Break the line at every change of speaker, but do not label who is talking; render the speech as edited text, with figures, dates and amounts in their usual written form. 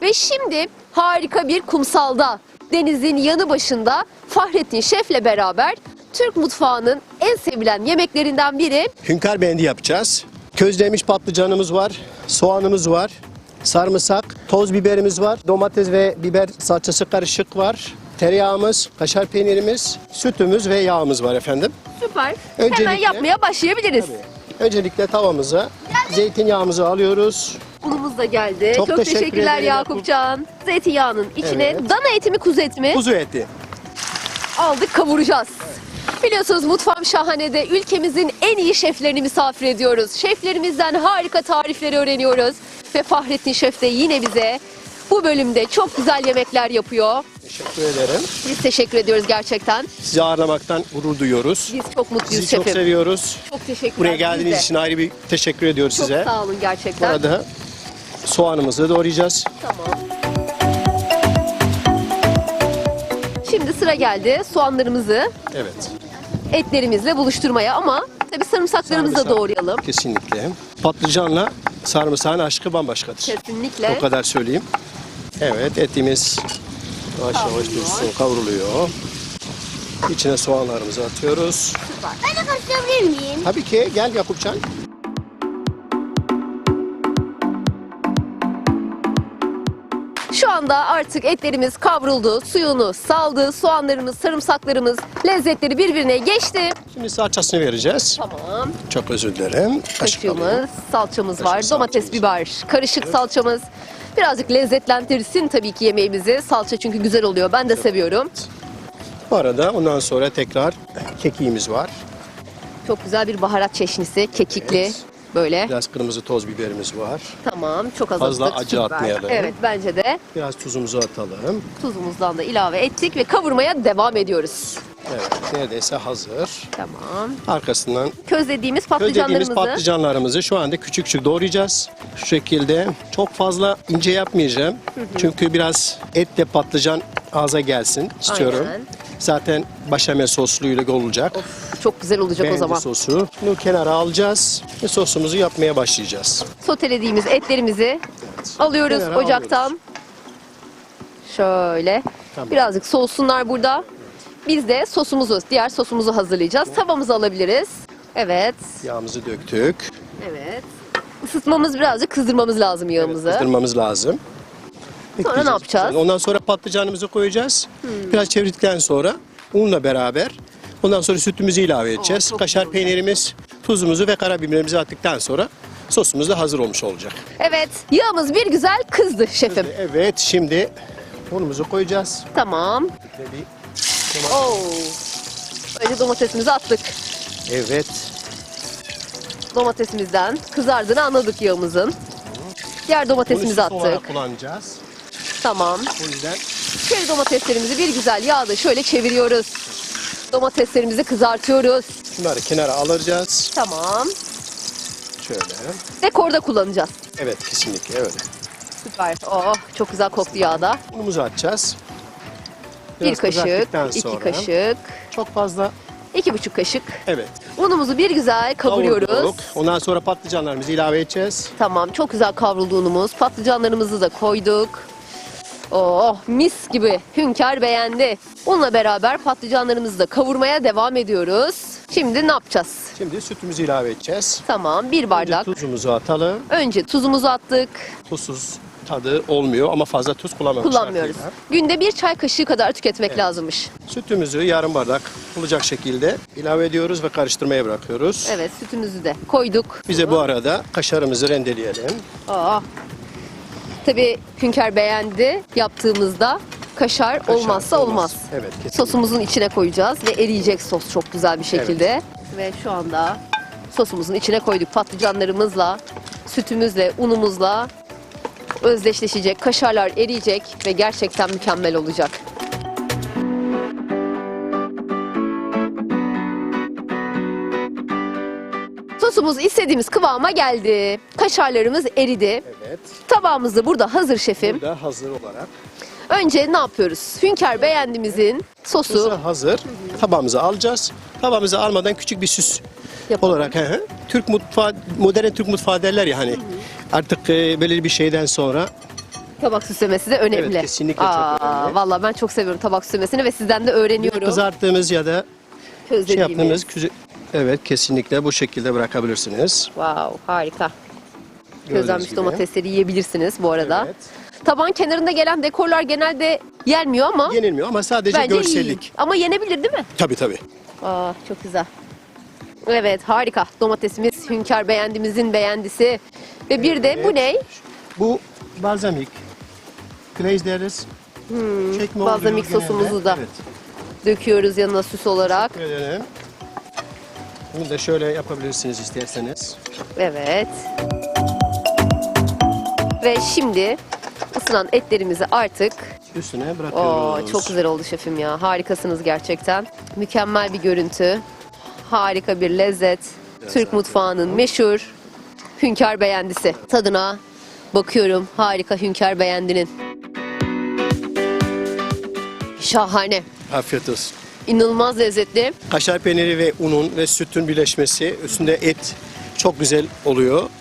Ve şimdi harika bir kumsalda, denizin yanı başında Fahrettin Şef'le beraber Türk mutfağının en sevilen yemeklerinden biri
Hünkar beğendi yapacağız. Közlemiş patlıcanımız var, soğanımız var, sarımsak, toz biberimiz var, domates ve biber salçası karışık var, tereyağımız, kaşar peynirimiz, sütümüz ve yağımız var efendim.
süper. Hemen
Öncelikle-
yapmaya başlayabiliriz.
Öncelikle tavamıza zeytinyağımızı alıyoruz.
Unumuz da geldi.
Çok
Çok
teşekkür
teşekkürler
ederim
Yakupcan. Zeytinyağının içine
Evet.
dana eti mi kuzu eti mi
Kuzu eti.
aldık, kavuracağız. Biliyorsunuz Mutfağım Şahane'de ülkemizin en iyi şeflerini misafir ediyoruz. Şeflerimizden harika tarifleri öğreniyoruz. Ve Fahrettin Şef de yine bize bu bölümde çok güzel yemekler yapıyor.
Teşekkür ederim.
Biz teşekkür ediyoruz gerçekten.
Sizi ağırlamaktan gurur duyuyoruz.
Biz çok mutluyuz
Sizi çok
şefim.
seviyoruz.
Çok teşekkürler.
Buraya
biz
geldiğiniz
de.
için ayrı bir teşekkür ediyoruz
Çok
size.
sağ olun
Bu
gerçekten.
arada soğanımızı doğrayacağız.
Tamam. Şimdi sıra geldi soğanlarımızı
Evet.
etlerimizle buluşturmaya ama tabii sarımsaklarımızı da
Sarımsak.
doğrayalım.
Kesinlikle. Patlıcanla sarımsağın aşkı bambaşkadır.
Kesinlikle.
O kadar söyleyeyim. Evet, etimiz yavaş yavaş dursun, kavruluyor. İçine soğanlarımızı atıyoruz.
Ben de karıştırabilir miyim?
Tabii ki, gel Yakupcan.
Şu anda artık etlerimiz kavruldu, suyunu saldı, soğanlarımız, sarımsaklarımız, lezzetleri birbirine geçti.
Şimdi salçasını vereceğiz.
Tamam.
Çok özür dilerim. Kaşık alayım.
Kaşığımız, salçamız var,
Kaşık
domates,
salçamız
biber, karışık salçamız. Birazcık lezzetlendirsin tabii ki yemeğimizi. Salça çünkü güzel oluyor. Ben de seviyorum.
Bu arada ondan sonra tekrar kekiğimiz var.
Çok güzel bir baharat çeşnisi, kekikli
Evet.
böyle.
Biraz kırmızı toz biberimiz var.
Tamam, çok az
Fazla
attık,
acı
süper.
atmayalım.
Evet, bence de
Biraz tuzumuzu atalım.
tuzumuzdan da ilave ettik ve kavurmaya devam ediyoruz.
Evet, neredeyse hazır.
Tamam.
Arkasından
Közlediğimiz
közlediğimiz
patlıcanlarımızı
patlıcanlarımızı şu anda küçük küçük doğrayacağız. Şu şekilde. Çok fazla ince yapmayacağım. Çünkü biraz etle patlıcan ağza gelsin istiyorum.
Aynen.
Zaten başamel sosluyla olacak.
çok güzel olacak o
Beğendi
zaman.
sosu. Bunu kenara alacağız ve sosumuzu yapmaya başlayacağız.
Sotelediğimiz etlerimizi alıyoruz
Kenara
ocaktan. Şöyle.
Tamam.
Birazcık soğusunlar burada. Biz de sosumuzu, diğer sosumuzu hazırlayacağız. Tavamızı alabiliriz. Evet.
Yağımızı döktük.
Evet. Isıtmamız, birazcık kızdırmamız lazım yağımızı.
Kızdırmamız lazım.
Sonra ne yapacağız?
Ondan sonra patlıcanımızı koyacağız. Biraz çevirdikten sonra unla beraber ondan sonra sütümüzü ilave edeceğiz.
çok
Kaşar
güzel.
peynirimiz, tuzumuzu ve karabiberimizi attıktan sonra sosumuz da hazır olmuş olacak.
Evet. Yağımız bir güzel kızdı şefim.
Evet, şimdi unumuzu koyacağız.
Tamam.
Ve bir-
Oo. Önce domatesimizi attık.
Evet.
Domatesimizden kızardığını anladık yağımızın. Diğer
Bunu
domatesimizi
sos olarak
attık.
kullanacağız.
Tamam.
O yüzden
Çeri domateslerimizi bir güzel yağda şöyle çeviriyoruz. Domateslerimizi kızartıyoruz.
bunları kenara alacağız.
Tamam.
Şöyle.
Dekorda kullanacağız.
Evet, kesinlikle öyle.
Süper. Oh, çok güzel koktu yağda.
Unumuzu atacağız.
Bir
Biraz
kaşık,
kızarttıktan
2
sonra-
kaşık,
Çok fazla.
2,5 kaşık.
Evet.
Unumuzu bir güzel kavuruyoruz.
Kavurduk. Ondan sonra patlıcanlarımızı ilave edeceğiz.
Tamam, çok güzel kavruldu unumuz. Patlıcanlarımızı da koyduk. Oh, mis gibi. Hünkar beğendi. Unla beraber patlıcanlarımızı da kavurmaya devam ediyoruz. Şimdi ne yapacağız?
Şimdi sütümüzü ilave edeceğiz.
Tamam, bir
Önce
bardak.
tuzumuzu atalım.
Önce tuzumuzu attık.
Tuzsuz tadı olmuyor ama fazla tuz kullanmamak
Kullanmıyoruz.
şartıyla.
Günde bir çay kaşığı kadar tüketmek lazımmış.
Sütümüzü yarım bardak olacak şekilde ilave ediyoruz ve karıştırmaya bırakıyoruz.
Evet, sütümüzü de koyduk.
Bize bu arada kaşarımızı rendeleyelim.
Aa. Tabii Hünkar beğendi yaptığımızda. Kaşar olmazsa olmaz.
Evet, kesinlikle.
Sosumuzun içine koyacağız ve eriyecek sos çok güzel bir şekilde. Ve şu anda sosumuzun içine koyduk patlıcanlarımızla, sütümüzle, unumuzla özdeşleşecek, kaşarlar eriyecek ve gerçekten mükemmel olacak. Sosumuz istediğimiz kıvama geldi. Kaşarlarımız eridi.
Evet.
Tabağımız da burada hazır şefim.
Burada hazır olarak.
Önce ne yapıyoruz? Hünkar beğendimizin sosu
Sosu hazır. Tabağımıza alacağız. Tabağımıza almadan küçük bir süs
yapalım.
olarak Türk mutfağı, modern Türk mutfağı derler ya hani. Artık böyle bir şeyden sonra
Tabak süslemesi de önemli.
Evet, kesinlikle çok önemli.
Vallahi ben çok seviyorum tabak süslemesini ve sizden de öğreniyorum.
Kızarttığımız ya da
Közlediğimiz.
yaptığımız evet kesinlikle bu şekilde bırakabilirsiniz.
Wow, harika.
Gördüğünüz
Közlenmiş
gibi.
domatesleri yiyebilirsiniz bu arada.
Evet.
Tabağın kenarında gelen dekorlar genelde yenmiyor ama
Yenilmiyor ama sadece
bence
görsellik.
iyi. Ama yenebilir değil mi?
Tabii tabii.
Çok güzel. Evet, harika. Domatesimiz Hünkar beğendimizin beğendisi. Ve bir de bu ne?
Bu balzamik. Glaze deriz. Çekme oluyor
balzamik
genelde.
sosumuzu da.
Evet.
Döküyoruz yanına süs olarak.
Teşekkür ederim. Bunu da şöyle yapabilirsiniz isterseniz.
Evet. Ve şimdi ısınan etlerimizi artık
Üstüne bırakıyoruz.
çok güzel oldu şefim ya. Harikasınız gerçekten. Mükemmel bir görüntü. Harika bir lezzet. Türk mutfağının meşhur Hünkar beğendisi. Tadına bakıyorum. Harika Hünkar beğendinin. Şahane.
Afiyet olsun.
İnanılmaz lezzetli.
Kaşar peyniri ve unun ve sütün birleşmesi, üstünde et çok güzel oluyor.